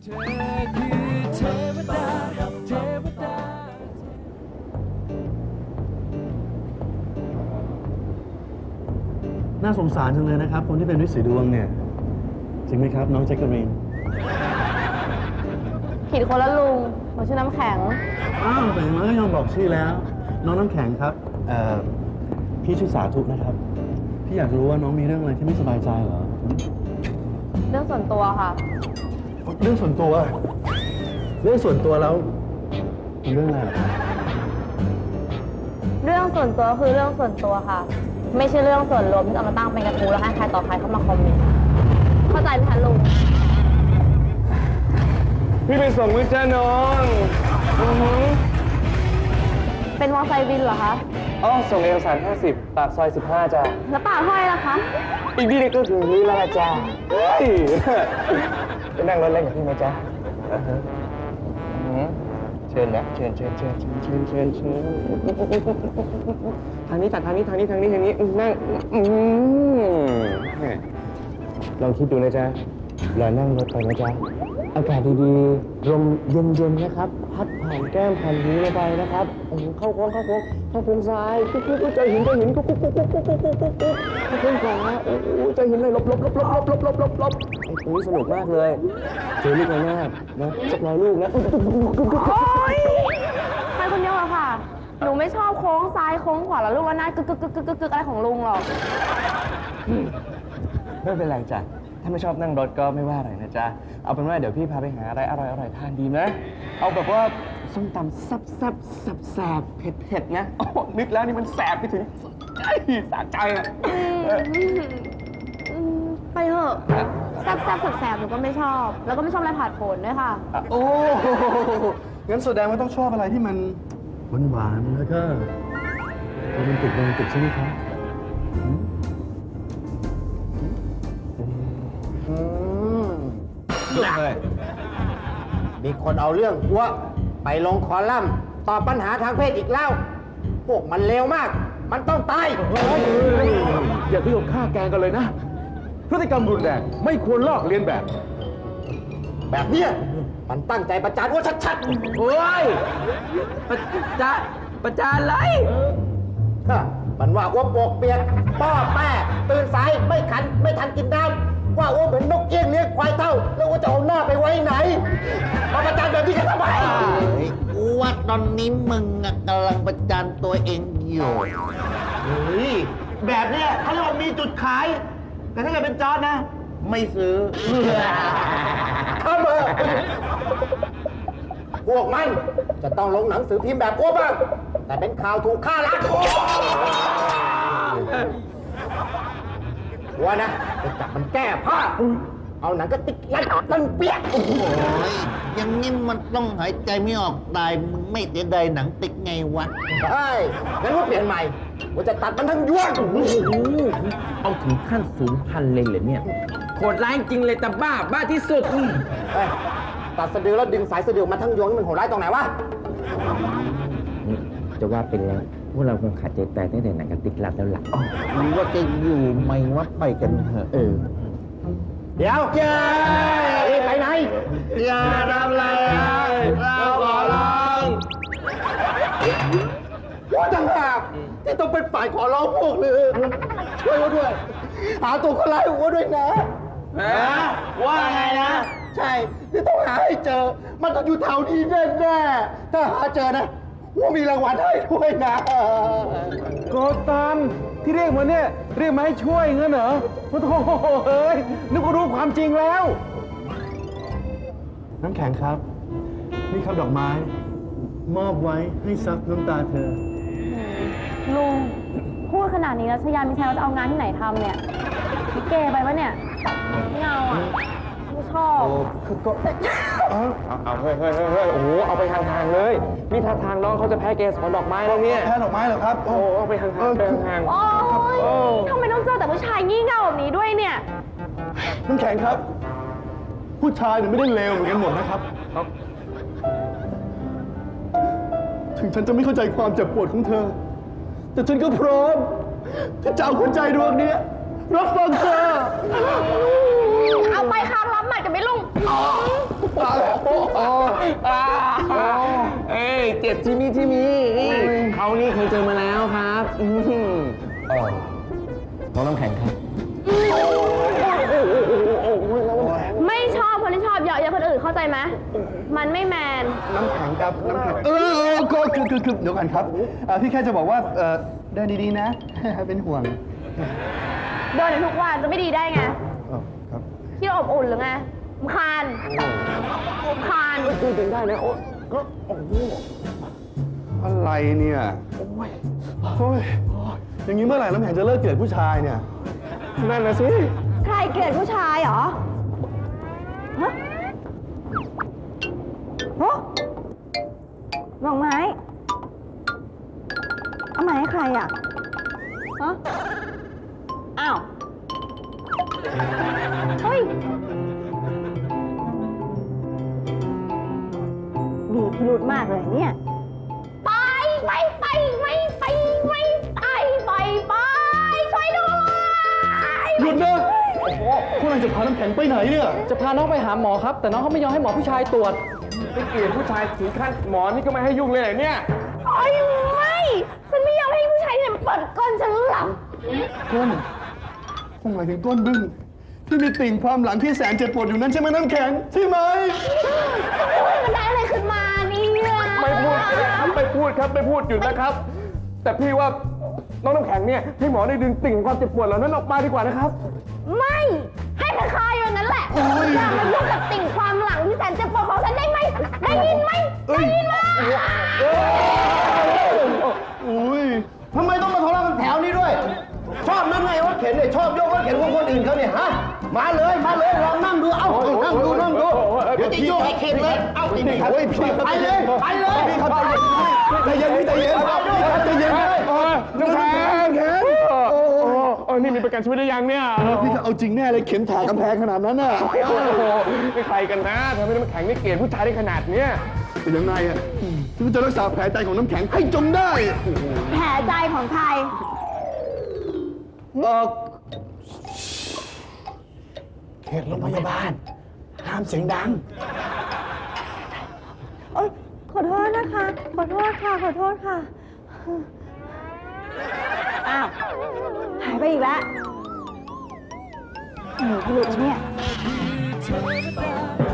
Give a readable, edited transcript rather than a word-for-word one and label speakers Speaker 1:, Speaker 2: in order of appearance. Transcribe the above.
Speaker 1: น่าสงสารจังเลยนะครับคนที่เป็นฤทธิ์สีดวงเนี่ยจริงไหมครับน้องแจ็คเกอรีน
Speaker 2: ผิดคนละลุงหนูชื่อน้ำแข็ง
Speaker 1: อ้าวแต่อย่างน้อยก็ยอมบอกชื่อแล้ว น้องน้ำแข็งครับพี่ชื่อสาธุนะครับพี่อยากรู้ว่าน้องมีเรื่องอะไรที่ไม่สบายใจเหรอ
Speaker 2: เรื่องส่วนตัวค่ะ
Speaker 1: เรื่องส่วนตัวแล้วเป็นเรื่องอะไรเหรอครับ
Speaker 2: เรื่องส่วนตัวคือเรื่องส่วนตัวค่ะ ไม่ใช่เรื่องส่วนรวมที่เอามาตั้งเป็นกระทู้แล้วให้ใครต่อใครเข้ามาคอมเมนต์เข้าใจไหมคะลุง
Speaker 3: พี่ไปส่งวิจ้าน้อง
Speaker 2: เป็นมอไซค์วินเหรอคะ
Speaker 3: อ๋อส่งเอกสาร50ปากซอย15จ้า
Speaker 2: แล้วป่าห้อยล่ะคะ
Speaker 3: อีกนิดก็ถึงนี้แล้วล่ะจ้าเฮ้ยไปนั่งรถเล่นกับพี่ไหมจ้าเชิญนะเชิญทางนี้จัดทางนี้นั่งลองคิดดูนะจ๊ะเรานั่งรถไปนะจ๊ะอากาศดีๆลมเย็นๆนะครับพัดผ่านแก้มผ่านหูเราไปนะครับโอ้โหเข้าโค้งซ้ายกุ๊กใจหินกุ๊กเข้าโค้งขวาโอ้โหใจหินเลยลบไอ้ปุ้ยสนุกมากเลยเจอลูกระนาดนะสัก100 ลูกนะ
Speaker 2: โอ๊ยไปคนเดียวเหรอค่ะ หนูไม่ชอบโค้งซ้ายโค้งขวาแล้วลูกระนาดกึกอะไรของลุงหรอก
Speaker 3: ไม่เป็นไรจ้ะถ้าไม่ชอบนั่งรถก็ไม่ว่าอะไรนะจ๊ะเอาเป็นว่าเดี๋ยวพี่พาไปหาอะไรอร่อยทานดีไหมเอาแบบว่าส้มตำแซ่บเผ็ดนะโอ้นึกแล้วนี่มันแสบไปถึงสะใจอ่ะ
Speaker 2: ไปเถอะแซ่บหนูก็ไม่ชอบ แล้วก็ไม่ชอบอะไรผ่านผลด้วยค่ะ
Speaker 1: โอ้งั้นแสดงว่าต้องชอบอะไรที่มันหวานๆแล้วก็โรแมนติกใช่ไหมครับ
Speaker 4: มีคนเอาเรื่องอ้วไปลงคอลัมน์ตอบปัญหาทางเพศอีกแล้ว พวกมันเลวมาก มันต้องตาย
Speaker 5: อย่าถึงกับฆ่าแกงกันเลยนะ พฤติกรรมรุนแรงไม่ควรลอกเลียนแบบ
Speaker 4: แบบเนี้ยมันตั้งใจประจานอ้วชัดๆ
Speaker 6: โอ้ยประจานอะไร
Speaker 4: ฮะมันว่าอ้วปวกเปียกป้อแป้ตื่นสายไม่ทันกินน้ำว่าอ้วเหมือนนกเอี้ยงเลี้ยงควายเท่า แล้วอ้วจะเอาหน้าไปไว้ไหนมาประจานแบบนี้กันทำไม
Speaker 6: กูว่าตอนนี้มึงอะกำลังประจานตัวเองอยู่
Speaker 4: เฮ้ยแบบเนี้ยเขาเรียกว่ามีจุดขาย แต่ถ้าเกิดเป็นจอร์จนะ ไม่ซื้อข้าเบอร์พวกมันจะต้องลงหนังสือพิมพ์แบบอ้วบ้าง แต่เป็นข่าวถูกฆ่าล้างคอว่านะจะจับมันแก้ผ้า เอาหนังกระติกยัดตั้งเปียก
Speaker 6: โอ้ยอย่างนี้มันต้องหายใจไม่ออกตาย มึงไม่เสียดายหนังติ๊กไงวะ
Speaker 4: ใช่งั้นว่าเปลี่ยนใหม่ว่าจะตัดมันทั้งยวง
Speaker 6: เอาถึงขั้น0,000เลยเหรอเนี่ยโหดร้ายจริงเลยแต่บ้าที่สุด
Speaker 4: เฮ้ยตัดสะดือแล้วดึงสายสะดือมาทั้งยวงนี่มันโหดร้ายตรงไหนวะ
Speaker 6: จะว่าเป็นแล้วพวกเราคงขาดใจตายตั้งแต่หนังกระติกลับแล้วล่ะหรือว่าจะอยู่ไม่ว่าไปกันเถอะ
Speaker 4: เดี๋ยวเจ้ยไปไหน
Speaker 3: อย่าทำอะไรเราขอร้อง
Speaker 4: ว่าต่างหากที่ต้องเป็นฝ่ายขอร้องพวกเลยช่วยว่าด้วย หาตัวคนร้ายหัวด้วยนะ
Speaker 3: ว่าไงนะ
Speaker 4: ใช่ที่ต้องหาให้เจอ มันต้องอยู่แถวนี้แน่ๆถ้าหาเจอนะว่ามีรางวัลให้ด้วยนะ
Speaker 5: โกตันที่เรียกมาเนี่ย เรียกมาให้ช่วยงั้นเหรอโอ้โหเฮ้ยนึกว่ารู้ความจริงแล้ว
Speaker 1: น้ำแข็งครับ นี่ครับดอกไม้ มอบไว้ให้ซับน้ำตาเธอ
Speaker 2: ลุง พูดขนาดนี้แล้วชยามิชัยเราจะเอางานที่ไหนทำเนี่ยพี่เกไปปะเนี่ยไม่เอาอ่ะไม่ชอบ
Speaker 3: เอาเฮ้ยโอ้โหเอาไปห่างๆเลยนี่ท่าทางน้องเขาจะแพ้เกสรดอกไม้แล้วเนี่ย
Speaker 1: แพ้ดอกไม้เหรอครับ
Speaker 3: โอ้เอาไปห่างๆไปห่าง
Speaker 2: โอ๊ยทำไมต้องเจอแต่ผู้ชายงี่เง่าแบบนี้ด้วยเนี่ย
Speaker 1: น้ำแข็งครับ ผู้ชายเนี่ยไม่ได้เลวเหมือนกันหมดนะครับ ถึงฉันจะไม่เข้าใจความเจ็บปวดของเธอ แต่ฉันก็พร้อมที่จะเอาหัวใจดวงนี้รับฟังเธอ
Speaker 2: เอาไปค้างรับหมัดกันไหมลุง
Speaker 1: ตาย
Speaker 3: เอ้ยเจ็บที่นี่ที่มีเขานี่เคยเจอมาแล้วครับน้องน้ำแข็งครับ
Speaker 2: ไม่ชอบคนที่ชอบเยาะเย้ยคนอื่นเข้าใจไหมมันไม่แมน
Speaker 1: น้ำแข็งครับ น้ำแข็งก็คือเดี๋ยวก่อนครับพี่แค่จะบอกว่าเดินดีๆนะ เป็นห่วง
Speaker 2: เดินอยู่ทุกวันจะไม่ดีได้ไง
Speaker 1: ครับ
Speaker 2: ที่อบอุ่นหรือไงรำคาญ
Speaker 3: พูดถึงได้นะโอ้ก็
Speaker 1: อะไรเนี่ยโอ้ยอย่างนี้เมื่อไหร่น้ำแข็งจะเลิกเกลียดผู้ชายเนี่ย
Speaker 3: นั่นนะสิ
Speaker 2: ใครเกลียดผู้ชายเหรอ ฮะโอ้ดอกไม้ เอาไม้ให้ใครอ่ะ ฮะ อ้าว เฮ้ย มีพิรุธมากเลยเนี่ย ไปช่วยด้วย
Speaker 1: หยุดนะคุณกำลังจะพาน้ำแข็งไปไหนเนี่ย
Speaker 3: จะพาน้องไปหาหมอครับ แต่น้องเขาไม่ยอมให้หมอผู้ชายตรวจไปเกลียดผู้ชายถึงขั้นหมอนี่ก็ไม่ให้ยุ่งเลยเหรอเนี่ย
Speaker 2: โอ๊ยไม่ฉันไม่ยอมให้ผู้ชายเนี่ยเปิดก้นฉันหลับ
Speaker 1: ก้นคงหมายถึงก้นบึ้งที่มีติ่งความหลังที่แสนเจ็บปวดอยู่นั้นใช่ไหมน้ำแข็งใช่ไหม
Speaker 2: มันได้อะไรขึ้นมาเนี่ย
Speaker 3: ไม่พูดครับไม่พูดครับไม่พูดหยุดนะครับ แต่พี่ว่าน้องน้ำแข็งเนี่ยให้หมอได้ดึงติ่งความเจ็บปวดเหล่านั้นออกมาดีกว่านะครับ
Speaker 2: ไม่ ให้มันคายอย่างนั้นแหละอย่ามายุ่งกับติ่งความหลังที่แสนเจ็บปวดของฉันได้ไหม ได้ยินไหม ได้ยินไหม
Speaker 1: อุ้ย
Speaker 4: ทำไมต้องมาทะเลาะกันแถวนี้ด้วย ชอบนั่งไงรถเข็นเนี่ยชอบยกรถเข็นของคนอื่นเขาเนี่ยฮะ มาเลยลองนั่งดู เอ้านั่งดูเดี๋ยวจะโยกให้เข็นเลย เอ้าไอ้นี่
Speaker 1: โอ้ยพี่
Speaker 4: ไปเลย
Speaker 1: พี่ครับใจเย็นพี่ใจเย็นใจเย็น
Speaker 3: น้ำแข็งนี่มีประกันชีวิตหรือยังเนี่ย
Speaker 1: พี่จะเอาจริงแน่เลยเข็นถ่ากำแพงขนาดนั้นน่ะ
Speaker 3: โอ้โหไม่ใครกันนะทำให้น้ำแข็งนี่เกลียดผู้ชายได้ขนาดเนี้ย
Speaker 1: เป็นยังไงอ่ะฉันจะรักษาแผลใจของน้ำแข็งให้จงได้
Speaker 2: แผลใจของใคร
Speaker 1: เขตโรงพยาบาล ห้ามเสียงดัง
Speaker 2: โอ๊ยขอโทษนะคะ ขอโทษค่ะ อ้าว หายไปอีกแล้วหนีพิรุธเนี่ย